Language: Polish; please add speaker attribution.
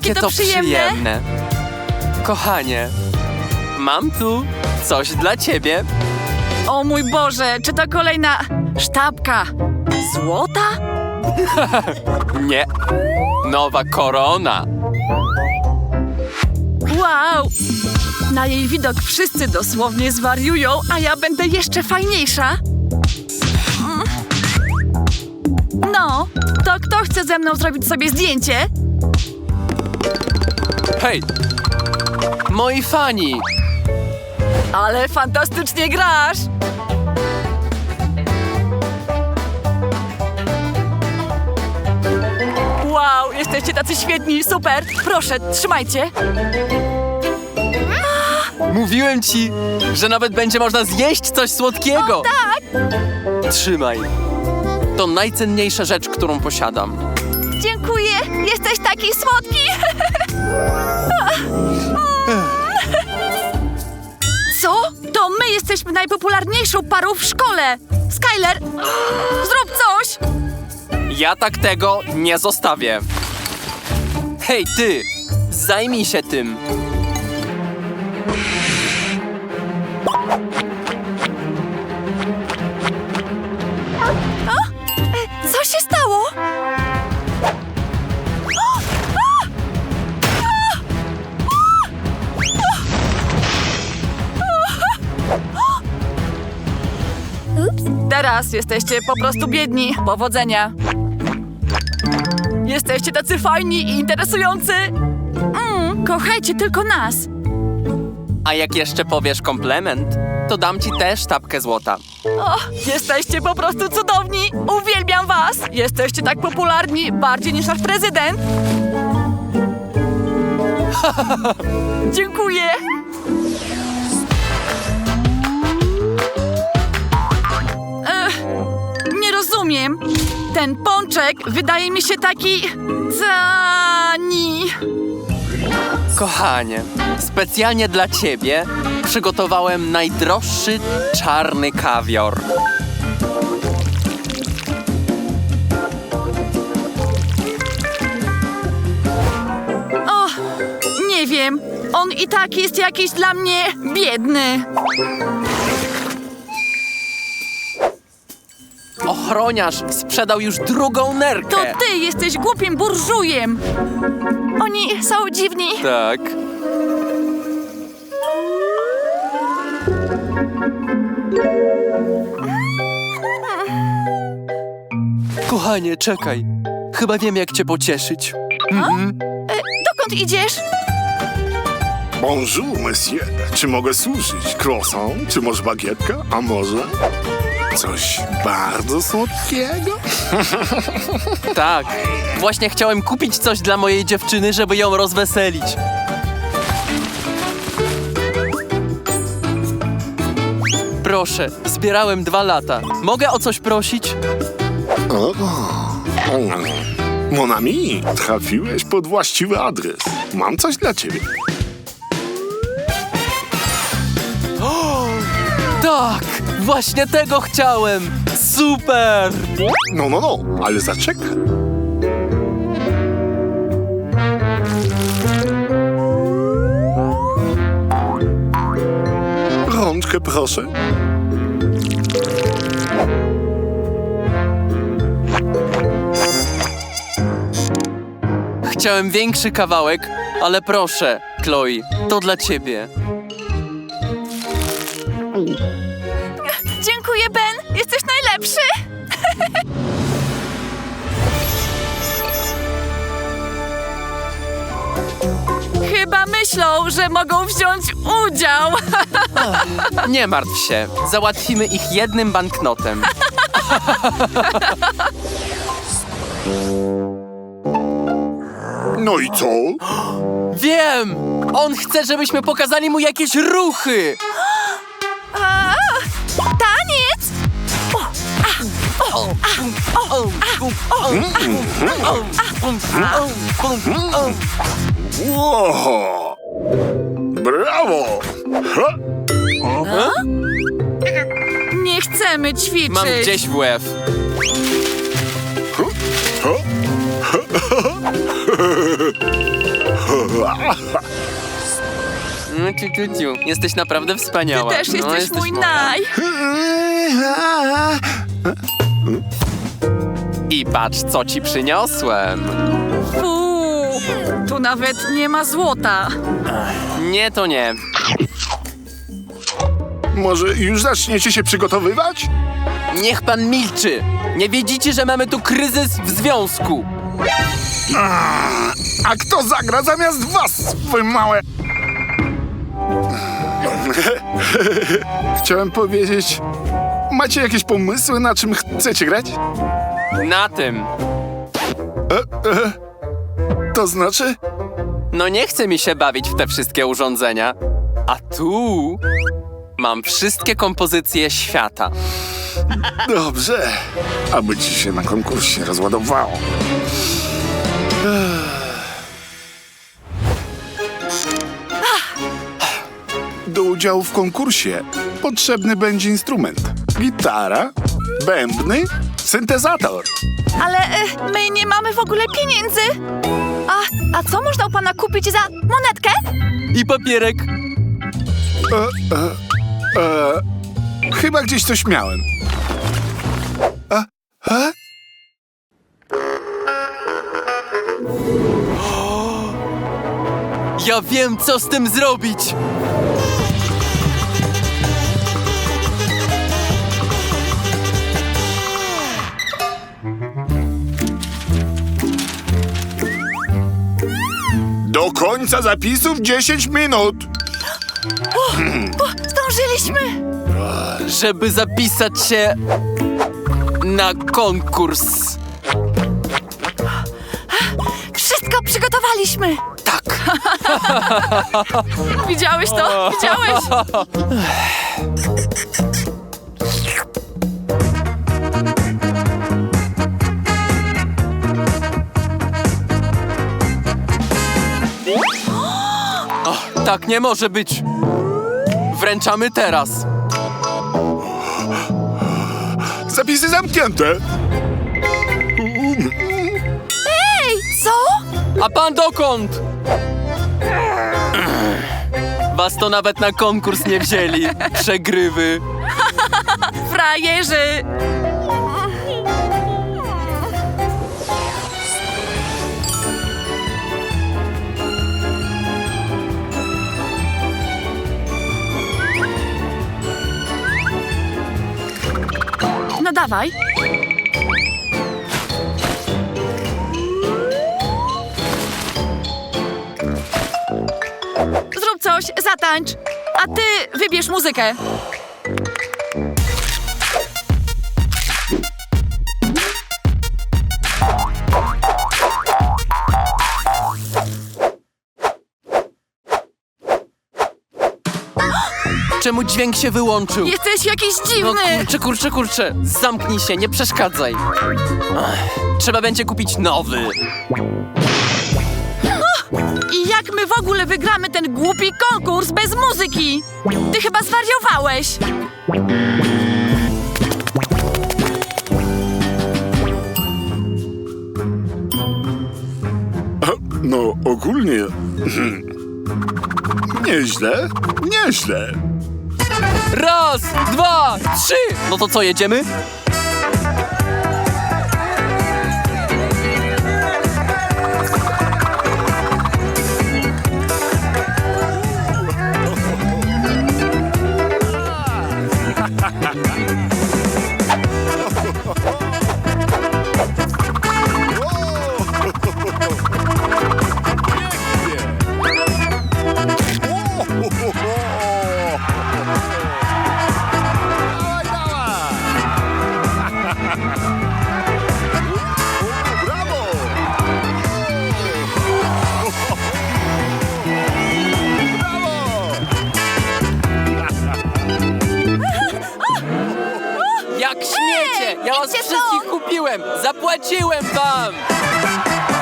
Speaker 1: Jakie to przyjemne.
Speaker 2: Kochanie, mam tu coś dla ciebie.
Speaker 1: O mój Boże, czy to kolejna sztabka złota?
Speaker 2: Nie, nowa korona.
Speaker 1: Wow! Na jej widok wszyscy dosłownie zwariują, a ja będę jeszcze fajniejsza. No, to kto chce ze mną zrobić sobie zdjęcie?
Speaker 2: Hej, moi fani.
Speaker 1: Ale fantastycznie grasz! Wow, jesteście tacy świetni, super! Proszę, trzymajcie!
Speaker 2: Mówiłem ci, że nawet będzie można zjeść coś słodkiego.
Speaker 1: O, tak!
Speaker 2: Trzymaj. To najcenniejsza rzecz, którą posiadam.
Speaker 1: Dziękuję! Jesteś taki słodki! Co? To my jesteśmy najpopularniejszą parą w szkole! Skyler, zrób coś!
Speaker 2: Ja tak tego nie zostawię. Hej, ty! Zajmij się tym.
Speaker 1: Co się stało? Teraz jesteście po prostu biedni. Powodzenia. Jesteście tacy fajni i interesujący. Kochajcie tylko nas.
Speaker 2: A jak jeszcze powiesz komplement, to dam ci też sztabkę złota.
Speaker 1: O, jesteście po prostu cudowni! Uwielbiam was! Jesteście tak popularni, bardziej niż nasz prezydent! Dziękuję! Nie rozumiem. Ten pączek wydaje mi się taki... tani.
Speaker 2: Kochanie, specjalnie dla ciebie przygotowałem najdroższy czarny kawior.
Speaker 1: O, nie wiem. On i tak jest jakiś dla mnie biedny.
Speaker 2: Ochroniarz sprzedał już drugą nerkę.
Speaker 1: To ty jesteś głupim burżujem. Oni są dziwni.
Speaker 2: Tak. Kochanie, czekaj. Chyba wiem, jak cię pocieszyć.
Speaker 1: Dokąd idziesz?
Speaker 3: Bonjour, monsieur. Czy mogę służyć? Croissant? Czy może bagietka? A może coś bardzo słodkiego?
Speaker 2: Tak. Właśnie chciałem kupić coś dla mojej dziewczyny, żeby ją rozweselić. Proszę, zbierałem 2 lata. Mogę o coś prosić?
Speaker 3: Mon ami, trafiłeś pod właściwy adres. Mam coś dla ciebie.
Speaker 2: Tak! Właśnie tego chciałem! Super!
Speaker 3: No, ale zaczekaj. Rączkę proszę.
Speaker 2: Chciałem większy kawałek, ale proszę, Chloe, to dla ciebie.
Speaker 1: Dziękuję, Ben. Jesteś najlepszy. Chyba myślą, że mogą wziąć udział.
Speaker 2: Nie martw się, załatwimy ich jednym banknotem.
Speaker 3: No i co?
Speaker 2: Wiem! On chce, żebyśmy pokazali mu jakieś ruchy!
Speaker 1: Taniec!
Speaker 3: Wow! Brawo! Ha?
Speaker 1: Nie chcemy ćwiczyć.
Speaker 2: Mam gdzieś w łeb. Jesteś naprawdę wspaniała.
Speaker 1: Ty też jesteś mój naj.
Speaker 2: I patrz, co ci przyniosłem.
Speaker 1: Fuu, tu nawet nie ma złota.
Speaker 2: Nie, to nie.
Speaker 3: Może już zaczniecie się przygotowywać?
Speaker 2: Niech pan milczy. Nie widzicie, że mamy tu kryzys w związku.
Speaker 3: A kto zagra zamiast was, wy małe... Chciałem powiedzieć... Macie jakieś pomysły, na czym chcecie grać?
Speaker 2: Na tym.
Speaker 3: To znaczy?
Speaker 2: No nie chce mi się bawić w te wszystkie urządzenia. A tu mam wszystkie kompozycje świata.
Speaker 3: Dobrze. Aby ci się na konkursie rozładowało. Do udziału w konkursie potrzebny będzie instrument. Gitara, bębny, syntezator.
Speaker 1: Ale my nie mamy w ogóle pieniędzy. A co można u pana kupić za monetkę?
Speaker 2: I papierek.
Speaker 3: Chyba gdzieś coś miałem.
Speaker 2: Ja wiem, co z tym zrobić.
Speaker 3: Do końca zapisów 10 minut.
Speaker 1: Zdążyliśmy.
Speaker 2: Żeby zapisać się na konkurs.
Speaker 1: Wszystko przygotowaliśmy.
Speaker 2: Tak.
Speaker 1: Widziałeś to? Widziałeś?
Speaker 2: Tak nie może być. Wręczamy teraz.
Speaker 3: Zapisy zamknięte.
Speaker 1: Ej, co?
Speaker 2: A pan dokąd? Was to nawet na konkurs nie wzięli. Przegrywy.
Speaker 1: Frajerzy. No dawaj. Zrób coś, zatańcz. A ty wybierz muzykę.
Speaker 2: Czemu dźwięk się wyłączył?
Speaker 1: Jesteś jakiś
Speaker 2: No
Speaker 1: dziwny.
Speaker 2: kurczę. Zamknij się, nie przeszkadzaj. Trzeba będzie kupić nowy.
Speaker 1: I jak my w ogóle wygramy ten głupi konkurs bez muzyki? Ty chyba zwariowałeś.
Speaker 3: No, ogólnie... Nieźle, nieźle.
Speaker 2: Raz, dwa, trzy. No to co, jedziemy?
Speaker 3: Brawo!
Speaker 2: Jak śmiecie! Ja was
Speaker 1: idźcie
Speaker 2: wszystkich
Speaker 1: stąd!
Speaker 2: kupiłem! Zapłaciłem wam!